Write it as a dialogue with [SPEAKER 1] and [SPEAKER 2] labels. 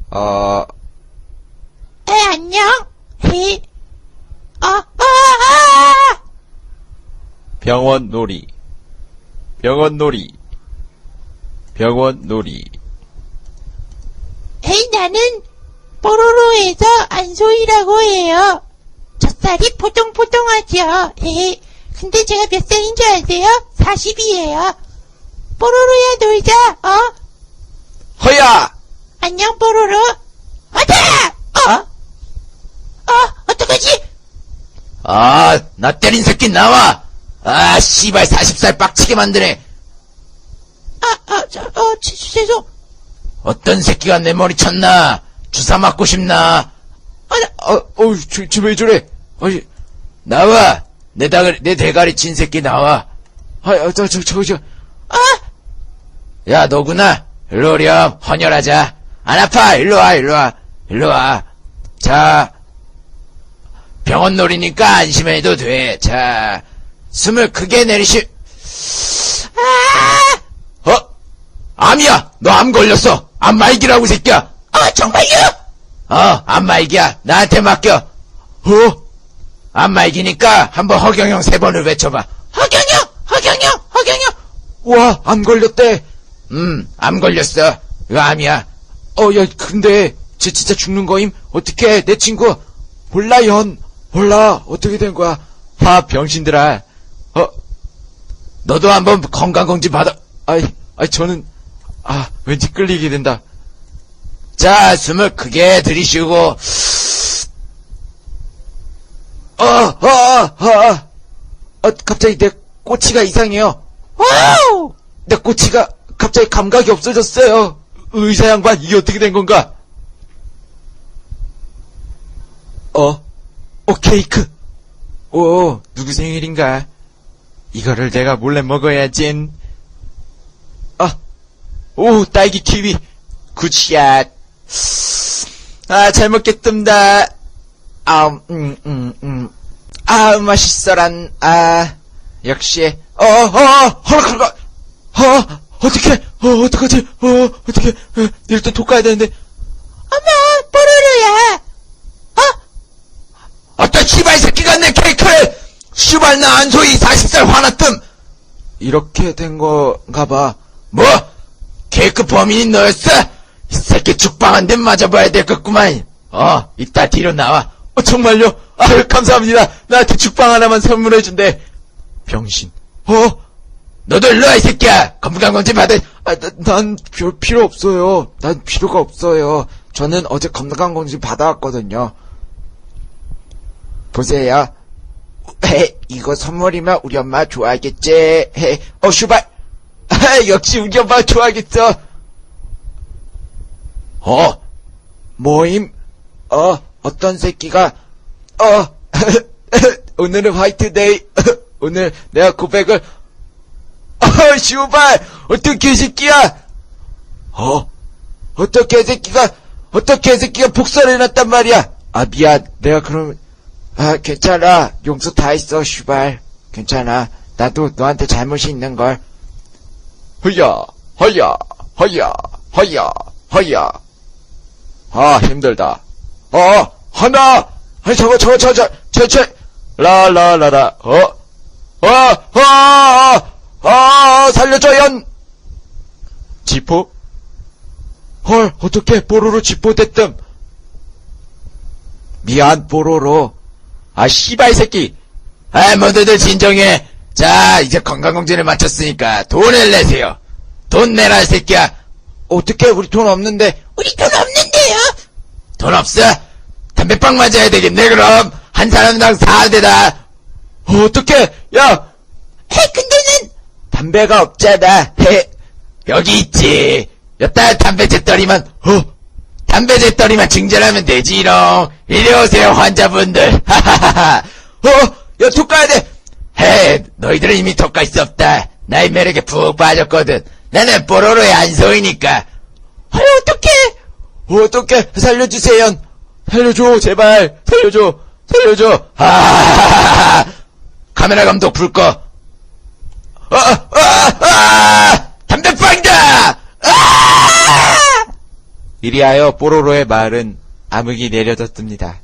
[SPEAKER 1] 안녕?
[SPEAKER 2] 병원 놀이, 병원 놀이, 병원 놀이.
[SPEAKER 1] 나는 뽀로로에서 안소희라고 해요. 젖살이 포동포동하죠. 근데 제가 몇 살인 줄 아세요? 40이에요. 뽀로로야 놀자.
[SPEAKER 2] 허야!
[SPEAKER 1] 안녕 뽀로로. 어다! 어떡하지?
[SPEAKER 2] 나 때린 새끼 나와! 씨발 40살 빡치게 만드네.
[SPEAKER 1] 죄송.
[SPEAKER 2] 어떤 새끼가 내 머리 쳤나? 주사 맞고 싶나? 왜 저래? 나와! 내 대가리 친 새끼 나와! 야, 너구나? 일로 오렴. 헌혈하자. 안 아파! 일로 와. 자, 병원 놀이니까 안심해도 돼. 자, 숨을 크게 암이야! 너 암 걸렸어! 암 말기라고, 새끼야!
[SPEAKER 1] 정말요?
[SPEAKER 2] 암 말기야. 나한테 맡겨. 암 말기니까 한번 허경영 3번을 외쳐봐.
[SPEAKER 1] 허경영!
[SPEAKER 2] 와, 암 걸렸대. 암 걸렸어. 이거 암이야. 야, 근데 쟤 진짜 죽는 거임? 어떡해, 내 친구. 몰라. 어떻게 된 거야? 병신들아. 너도 한번 건강검진 받아. 저는 왠지 끌리게 된다. 자, 숨을 크게 들이쉬고. 갑자기 내 꼬치가 이상해요.
[SPEAKER 1] 와우!
[SPEAKER 2] 내 꼬치가 갑자기 감각이 없어졌어요. 의사 양반, 이게 어떻게 된 건가? 케이크. 누구 생일인가? 이거를 내가 몰래 먹어야지. 딸기 키위. 굿샷. 잘 먹겠습니다. 맛있어란. 역시. 허락할까? 어떡하지? 어떡해. 일단 톡 가야 되는데.
[SPEAKER 1] 어머, 뽀로로야.
[SPEAKER 2] 어떤 씨발 새끼가 내 케이크를! 씨발 나 안소희 40살 화났뜸! 이렇게 된 건가 봐. 뭐? 케이크 범인이 너였어? 이 새끼 죽방 한 대 맞아봐야 되겠구만. 이따 뒤로 나와. 정말요? 감사합니다. 나한테 죽방 하나만 선물해준대. 병신. 너도 일로와, 이 새끼야. 건강검진 받아. 난 별 필요 없어요. 난 필요가 없어요. 저는 어제 건강검진 받아왔거든요. 보세요. 이거 선물이면 우리 엄마 좋아하겠지. 슈발. 역시 우리 엄마 좋아하겠어. 모임. 어떤 새끼가 오늘은 화이트데이. 오늘 내가 고백을. 슈발. 어떤 개새끼야. 어떤 개새끼가 복사를 해놨단 말이야. 미안. 내가 그럼 괜찮아. 용서 다 했어, 슈발. 괜찮아. 나도 너한테 잘못이 있는걸. 허야. 힘들다. 하나. 라라라라. 살려줘, 연. 지포? 헐, 어떡해. 뽀로로 지포 됐뜸. 미안, 뽀로로. 씨발 새끼. 모두들 진정해. 자, 이제 건강검진을 마쳤으니까 돈을 내세요. 돈 내라, 이 새끼야. 어떡해, 우리 돈 없는데.
[SPEAKER 1] 우리 돈 없는데요?
[SPEAKER 2] 돈 없어? 담배빵 맞아야 되겠네, 그럼. 한 사람당 4대다. 어떡해, 야.
[SPEAKER 1] 근데는
[SPEAKER 2] 담배가 없잖아. 여기 있지. 여따 담배 재떨이만. 담배 재떨이만 증절하면 되지롱. 이리 오세요, 환자분들. 하하하하. 야, 톡 가야 돼. 너희들은 이미 톡 갈 수 없다. 나의 매력에 푹 빠졌거든. 나는 뽀로로의 안소희니까. 어떡해. 살려주세요. 살려줘, 제발. 살려줘. 카메라 감독 불 꺼. 담배빵이다! 이리하여 뽀로로의 마을은 암흑이 내려졌습니다.